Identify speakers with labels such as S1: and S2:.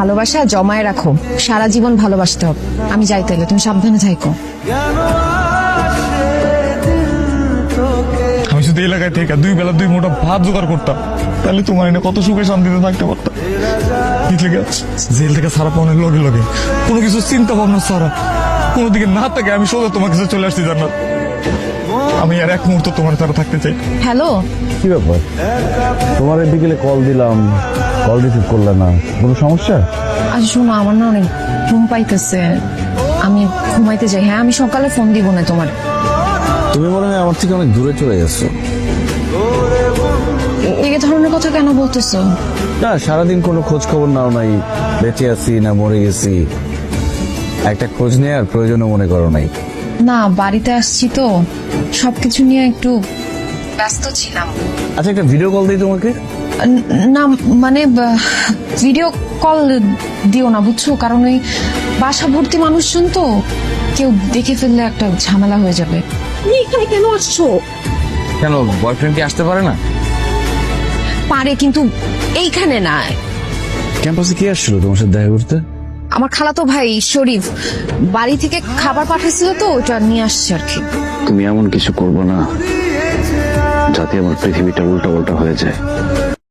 S1: ভালোবাসা জমায় রাখো, সারা জীবন ভালোবাসতে হবে। আমি যাই তাইলে, তুমি সাবধানে থাকো।
S2: আমি শুধু এলাকায় থেকে 2 বেলা 2 মোটা ভাত জোগাড় করতাম, তাহলে তোমার এনে কত সুখে শান্তিতে থাকতে পারতাম। জেল থেকে সারা পাওয়ার লগে লগে কোনো কিছু চিন্তা ভাবনা ছাড়া, কোনো দিকে না থাকে আমি সোজা তোমার কাছে চলে আসছি জান্নাত। আমি আর এক মুহূর্ত তোমার ছাড়া থাকতে চাই।
S1: হ্যালো,
S3: কি ব্যাপার? তোমার বিকেলে কল দিলাম, কল রিসিভ করলে না, কোনো সমস্যা?
S1: আচ্ছা শোনো, আমার না অনেক ঘুম পাইতেছে, আমি ঘুমাইতে যাই। হ্যাঁ, আমি সকালে ফোন দিব না তোমার।
S3: তুমি মনে হয় আমার থেকে অনেক দূরে চলে গেছো।
S1: এই ধরনের কথা কেন বলতেছো?
S3: না, সারাদিন কোনো খোঁজ খবর নাও নাই, বেঁচে আছি না মরে গেছি একটা খোঁজ নেওয়ার প্রয়োজনও মনে করো নাই।
S1: না, বাড়িতে আসছি তো সবকিছু নিয়ে একটু ব্যস্ত ছিলাম।
S3: আচ্ছা, একটা ভিডিও কল দিই তোমাকে।
S1: না মানে ভিডিও কল দিও না বুঝছো, কারণ ওই বাসা ভর্তি মানুষজন তো, কেউ দেখে ফেললে একটা ঝামেলা হয়ে যাবে। তুমি এখানে কেন আসছো?
S3: কেন, বয়ফ্রেন্ড কি আসতে পারে না?
S1: পারে, কিন্তু এইখানে না।
S3: ক্যাম্পাসে কি আসছিল তোমার সাথে দেখা করতে?
S1: আমার খালাতো ভাই শরীফ বাড়ি থেকে খাবার পাঠাইছিল তো, ওটা নিয়ে আসছে আর কি।
S3: তুমি এমন কিছু করবো না যাতে আমার পৃথিবীটা উল্টা উল্টা হয়ে যায়।